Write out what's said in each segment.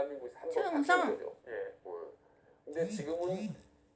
대한민국에서 한번 충성. 바뀐 거죠. 예. 근데 지금은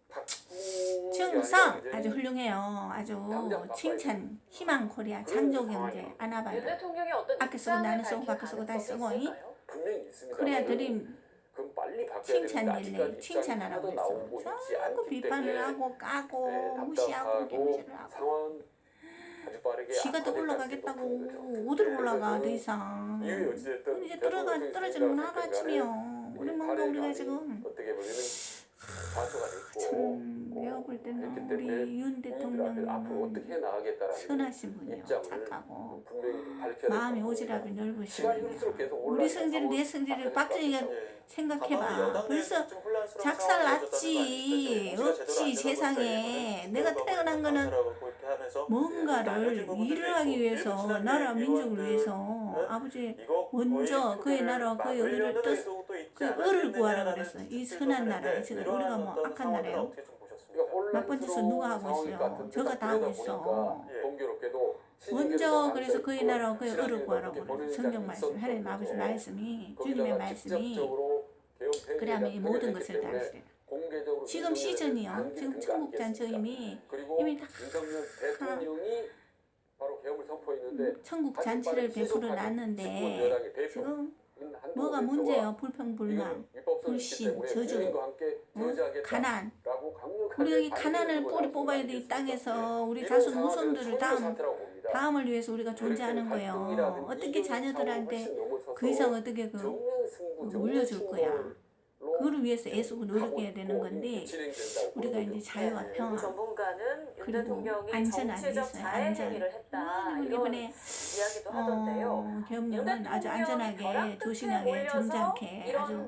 충성 아주 훌륭해요. 아주 칭찬 희망 코리아 창조경제 안아봐요. 윤 대통령이 어떤 아껴 쓰고 나는 쓰고 바꿔 쓰고 다시 쓰고 분명히 있습니다. 코리아 드림 그럼 빨리 바뀌어야 칭찬 되는데 릴레이 아직까지 칭찬하라고 입장이 하나도 나오고 그랬어. 있지 자꾸 않기 비판을 때문에 하고 까고 무시하고 답답하고 무시를 하고 상황은 아주 빠르게 지가 더 올라가겠다고 어디로 올라가 더 이상. 이제 떨어지는 하루아침이요. 우리 뭔가 우리가 지금 어떻게 보면은 좌초가 됐고 참 내가 볼 때는 우리 윤 국민들한테 앞으로 어떻게 대통령은 나가겠다라는 선하신 분이에요. 입장을 착하고 분명히 밝혀야 마음이 될 오지랖이 시간이 넓으시네요. 흐를수록 계속 우리 올라가는 성질 내 성질을 박정희가 생각해봐. 벌써 작살 났지. 없지 세상에. 내가 태어난 거는 뭔가를 일을 하기 위해서 나라 민족을 위해서 아버지 먼저 그의 나라 그의 의를 뜻 그 을을 구하라 그랬어. 이 선한 나라에 지금 우리가 뭐 악한 나라예요. 나쁜 짓을 누가 하고 있어요. 저가 다 하고 있어. 먼저 그래서 그의 나라 그의 을을 구하라고 그래서 성경 말씀 하나님 아버지 말씀이 주님의 말씀이 그러면 이 모든 것을 다 하시래요. 지금 시즌이요. 지금 천국잔치임이 이미 다 천국 잔치를 베풀어 놨는데 지금 뭐가 문제예요? 불평불만, 불신, 저주, 가난. 우리 여기 가난을 뿌리 뽑아야 돼. 이 땅에서 우리 자손 후손들을 다음을 위해서 우리가 존재하는 거예요. 어떻게 자녀들한테 그 이상 어떻게 물려줄 거야. 그걸 위해서 애쓰고 노력해야 되는 건데 우리가 이제 자유와 평화 그리고 안전하게 있어요. 안전. 이번에 계엄령은 아주 안전하게 조심하게 점잖게 아주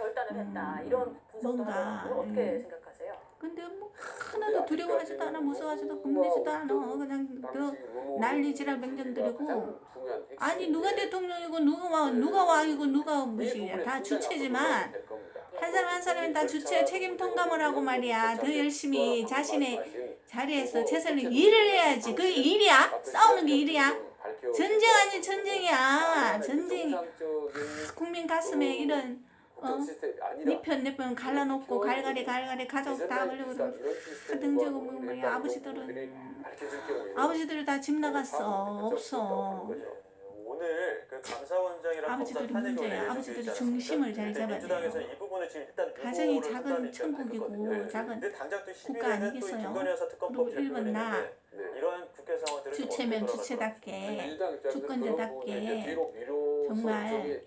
뭔가 근데 뭐 하나도 두려워하지도 않아 무서워하지도 겁내지도 않아 그냥 난리지랄 맹정들이고 아니 누가 대통령이고 누가 왕이고 누가 무엇이야 다 주체지만 한 사람 한 사람이 다 주체 책임 통감을 하고 말이야 더 열심히 자신의 자리에서 최선을 일을 해야지 그게 일이야? 싸우는 게 일이야? 전쟁 아니 전쟁이야 전쟁이 국민 가슴에 이런 니편 내편 갈라놓고 갈갈이 가족 다 걸리고 등지고 뭐야 아버지들은 다 집 나갔어 없어 오늘 그 감사원장이랑 아버지들이 문제야. 아버지들이 중심을 잘 잡아야 돼요. 가정이 작은 천국이고 작은 국가 아니겠어요? 그리고 일본 나 주체면 주체답게 주권자답게 정말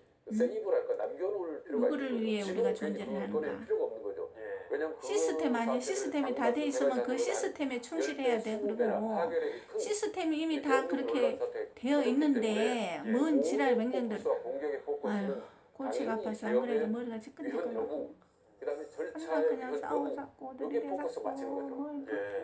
누구를 위해 우리가 존재를 하는가 시스템 아니야. 시스템이 다 돼 있으면 그 시스템에 충실해야 돼. 그리고 시스템이 이미 다 그렇게 되어 있는데 뭔 지랄 맹정들 아유 골치가 아파서 안 그래도 머리가 지끈지끈하고 그냥 싸우자고 들이대자고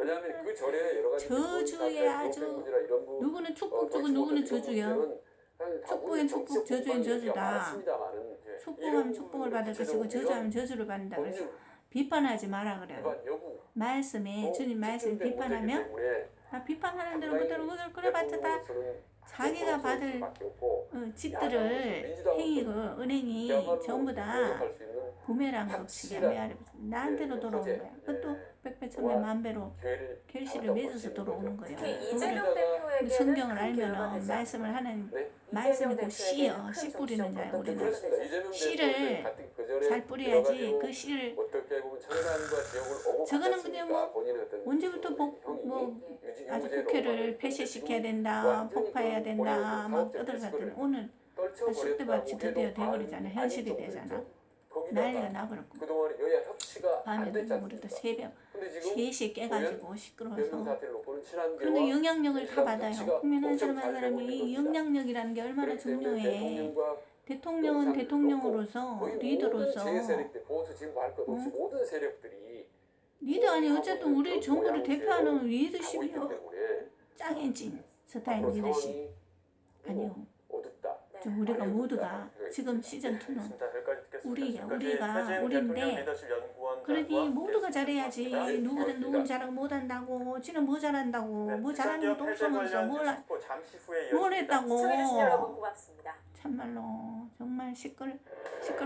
저주에 아주 누구는 축복주고 누구는 저주요. 축복엔 축복 저주엔 저주다. 축복하면 축복을 받을 것이고 저주하면 저주를 받는다 그래서 비판하지 마라 그래요. 말씀에 주님 말씀 비판하면 비판하는 대로 그대로 그래봤자 다 자기가 받을 짓들을 행위고 은행이 전부 다 부메랑 법칙에 메아리 나한테로 돌아오는 거야. 그것도 백배천배 만배로 결실을 맺어서 돌아오는 거예요. 성경을 알면은 말씀을 하는 말씀이 그 씨요. 씨 뿌리는 자야 우리는. 씨를 잘 뿌려야지 그 씨를 저거는 그냥 뭐 언제부터 아주 국회를 폐쇄시켜야 된다 폭파해야 된다 막 떠들었더니 오늘 쑥대밭이 드디어 돼버리잖아. 현실이 되잖아. 난리가 나버렸고 밤에도 우리도 새벽 3시에 깨가지고 시끄러워서 그런데 영향력을 다 받아요. 국민 한 사람 한 사람이 이 영향력이라는 게 얼마나 중요해. 대통령은 대통령으로서 리더로서 리더 아니 어쨌든 우리 정부를 대표하는 리더십이요. 짱엔진 스타일 리더십 아니요. 좀 우리가 모두가 지금 시즌2는 우리인데 그러니 모두가 잘해야지. 누구는 잘하고 못한다고 지는 뭐 잘한다고 뭐 잘하는 것도 없으면서 뭘 했다고 참말로 정말 시끌